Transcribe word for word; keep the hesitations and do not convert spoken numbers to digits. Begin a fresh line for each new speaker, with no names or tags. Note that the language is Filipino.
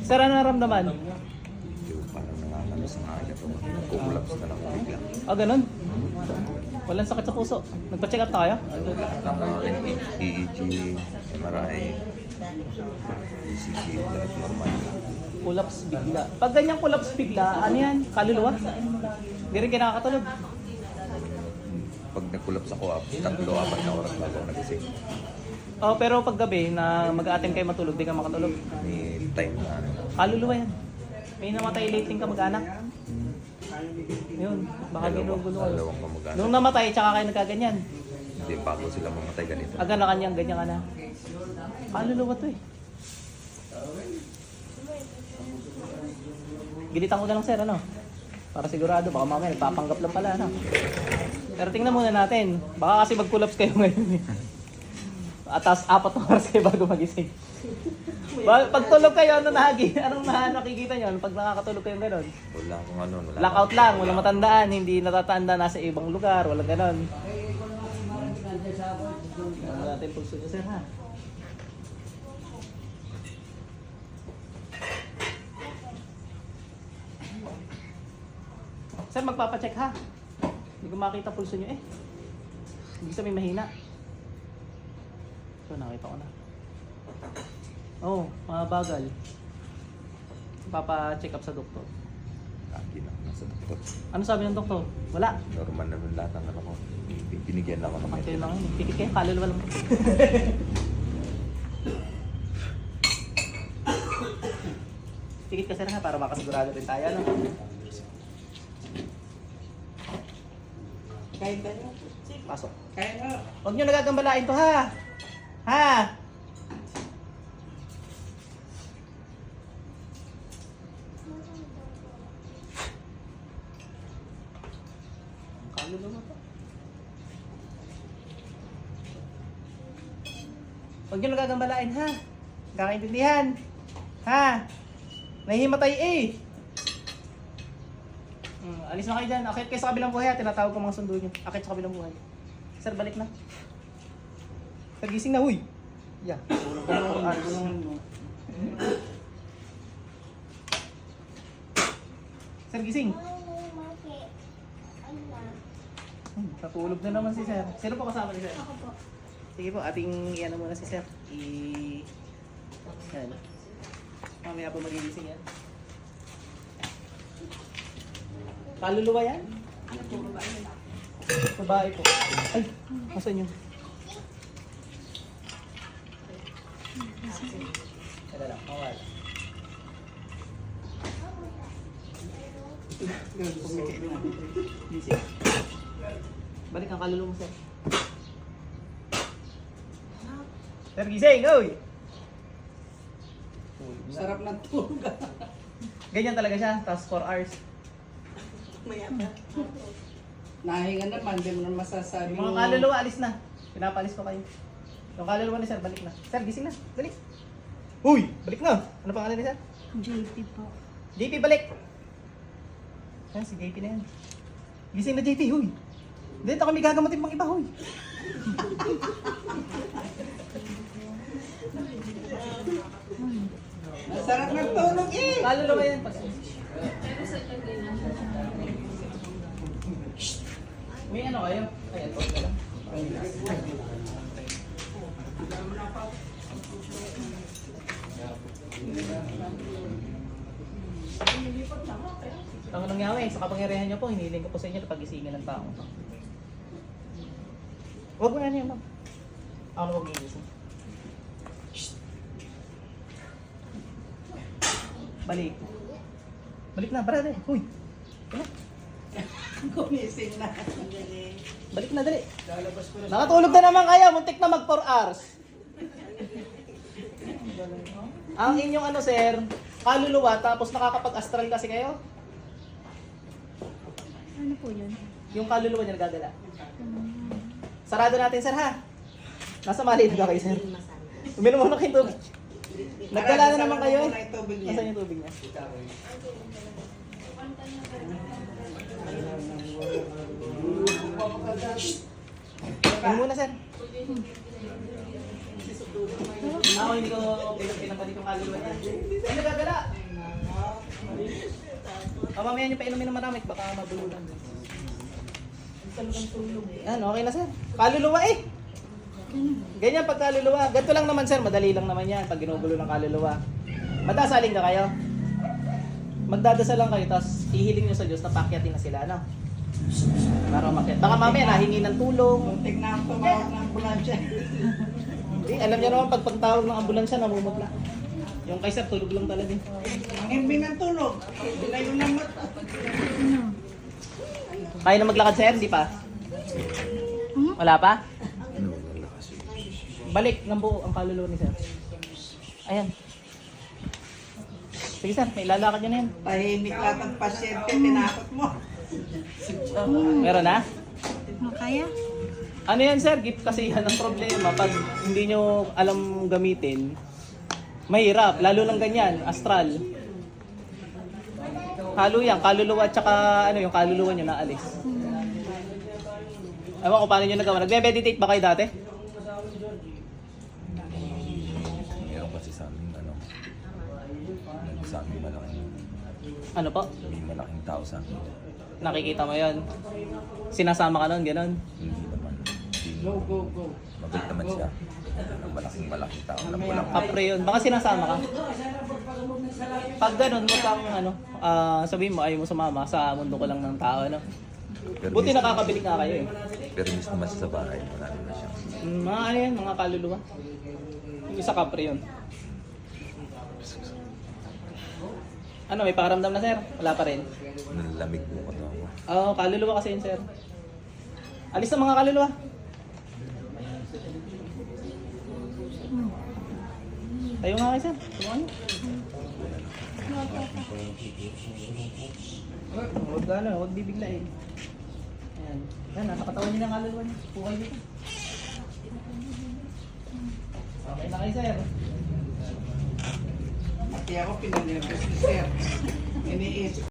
Sir, ano naramdaman?
Yung parang nangangano sa kanya to. Nagkukulaps na lang bigla.
Ah, ganun? Walang sakit sa puso. Nagpa-check up tayo?
E E G, M R I, E C G, lahat normal.
Collapse bigla. Pag ganyang collapse bigla, ano yan? Kaluluwa? Hindi rin kinakatulog.
Pag nagkulaps ako, ah, tatlo, apat na oras bago ako nagising.
Oh, pero pag gabi na mag-a-attempt kayo matulog, di ka makatulog.
May time na ano.
Kaluluwa yan. May namatay lately ka mag-anak. Yun, baka ginugulo kayo.
Dalawang kamag-anak.
Nung namatay, tsaka kayo nagkaganyan.
Hindi pa ako sila mamatay ganito.
Aga na kanyang, ganyan ka na. Kaluluwa to eh. Gilitan ko na lang sir, ano? Para sigurado, baka mamaya nagpapanggap lang pala, ano? Pero tingnan muna natin. Baka kasi mag-collapse kayo ngayon eh. At tapos apat na oras kayo bago magising. Ba- pag tulog kayo, ano nahagi? Anong na nakikita nyo? Pag nakakatulog kayo gano'n?
Wala akong ano. Wala
Blackout lang, walang matandaan, hindi natatanda nasa ibang lugar, walang gano'n. Ano natin pulso nyo sir ha? Sir, magpapacheck ha? Hindi ko makita pulso nyo eh. Hindi sabihin mahina. So, nakita ko na. Oo, oh, mga bagal. Papa-check up sa doktor.
Lagi na ako nasa doktor.
Ano sabi ng doktor? Wala.
Normal naman lahat ng ano ko. Binigyan lang ako ng
Kayo
medicine.
lang yun. Pikit kayo, kaluluwa lang. Pikit kasi na para makasigurado rin tayo. Ano?
Kahit ano.
Pasok.
Kahit ano.
Huwag nyo nagagambalain to ha! Ha! Kaluluwa to. Huwag nyo nagagambalain ha! Kakaintindihan! Ha! Nahihimatay eh! Hmm, alis na kayo dyan. Akit kayo sa kabilang buhay ha. Tinatawag ko mga sundo nyo. Akit sa kabilang buhay. Sir, balik na. Sir, gising na, huy! Yeah. Ano, ano, Sir, gising. Hmm, natulog na naman si Sir. Sino po kasama ni Sir?
Ako po.
Sige po, ating iyan muna si Sir. I... Yan. Mamaya po magigising yan. Kaluluwa yan?
Ano po, babae na lang.
Babae po. Ay, asan yun? Teka lang, kawal. Gising. Balik ang kaluluwa mo, Sir. Sir, gising! Oy!
Sarap ng tulog.
Ganyan talaga siya, tapos four hours.
Maya pa. Nahinga naman, di mo na masasabi.
Yung mga kaluluwa, alis na. Pinapalis ko kayo. Yung kaluluwa ni Sir, balik na. Sir, gising na. Dali. Uy! Balik na! Ano pangalan ni Sir?
J P po.
J P, balik! Yan, si J P na yan. Gising na J P, huy! Dito kami gagamatin pang iba, huy!
Sarap ng tulog eh.
Kaluluwa yan. Pas- May ano kayo? Ayan, huwag ka lang. Ang nangyari, sa kapangyarihan niyo po, hiniling ko po sa inyo na pagisingin ng tao. Huwag mo yan yan, ma'am. Ako na huwag gigising. Balik. Balik na, brother. Huy. Balik.
Kumising na.
Balik na, dali. Nakatulog na naman kayo. Muntik na mag four hours. Ang inyong ano, sir, kaluluwa, tapos nakakapag-astral kasi kayo.
Ano po yun?
Yung kaluluwa niya nagagala. Sarado natin, sir, ha? Nasa maliit ba kayo, sir? Uminom muna kayong tubig. Nagdala na naman kayo eh. Nasaan yung tubig niya? Ano muna, sir? Ako hindi ko pinapalik yung kaluluwa niya. Ay, nagagala! O, mamaya niyo pa inumin ng maramik, baka mabululan. Yan, okay na sir. Kaluluwa eh! Ganyan pag kaluluwa. Ganito lang naman sir, madali lang naman yan pag ginugulo ng kaluluwa. Madasaling ka kayo. Magdadasal lang kayo, tapos ihiling nyo sa Diyos na pakyatin na sila, no? Para umakyat. Baka mamaya nahingi ng tulong.
Muntik na ang tumawag ng ambulansya.
Hindi, alam niyo naman pag pagtawag ng ambulansya, namumutla. Yung kay sir, tulog lang talaga.
Ang imbi ng tulog. Bilayo ng mata.
Kaya na maglakad sir, hindi pa? Wala pa?
Ano, lalakas yun.
Balik ng buo ang kaluluwa ni sir. Ayan. Sige sir, may ilalakad nyo na yan.
Tahimik lahat ang pasyente, tinakot mo.
Meron na?
Makaya?
Ano yan sir, gift kasi yan ang problema. Pag hindi nyo alam gamitin, mahirap. Lalo lang ganyan, astral. Halo yan, kaluluwa at saka ano yung kaluluwa nyo naalis. Ewan ko paano nyo nagawa. Nagme-meditate ba kayo dati?
Meron kasi sa amin, ano, sa amin malaking,
Ano po?
may malaking tao sa amin.
Nakikita mo yon. Sinasama ka nun, gano'n.
Hindi naman. Hindi,
Go, go, go.
mabait naman siya. Ang malaking malaking tao. Alam ko lang.
Kapre yun. Baka sinasama ka. Pag ganun, huwag kang ano, ah, sabihin mo ayaw mo sumama sa mundo ko lang ng tao, ano.
Pero
Buti
mis-
nakakabili nga kayo eh.
Pero miss naman siya sa bahay. Marami na siya.
Mm, mga ano yan, mga kaluluwa. Yung isa kapre yun. Ano, may pakiramdam na sir? Wala pa rin.
Nalamig po ko to.
Oo, kaluluwa kasi yun sir. Alis na mga kaluluwa. Tayo nga kayo sir. Tulungan niyo. Huwag ano, huwag bibiglain. Ayan. Yan, nasa katawan niyo ng kaluluwa niyo. Pukay dito. Okay na kayo sir.
Pati ako pinanirapos ni sir. Iniisip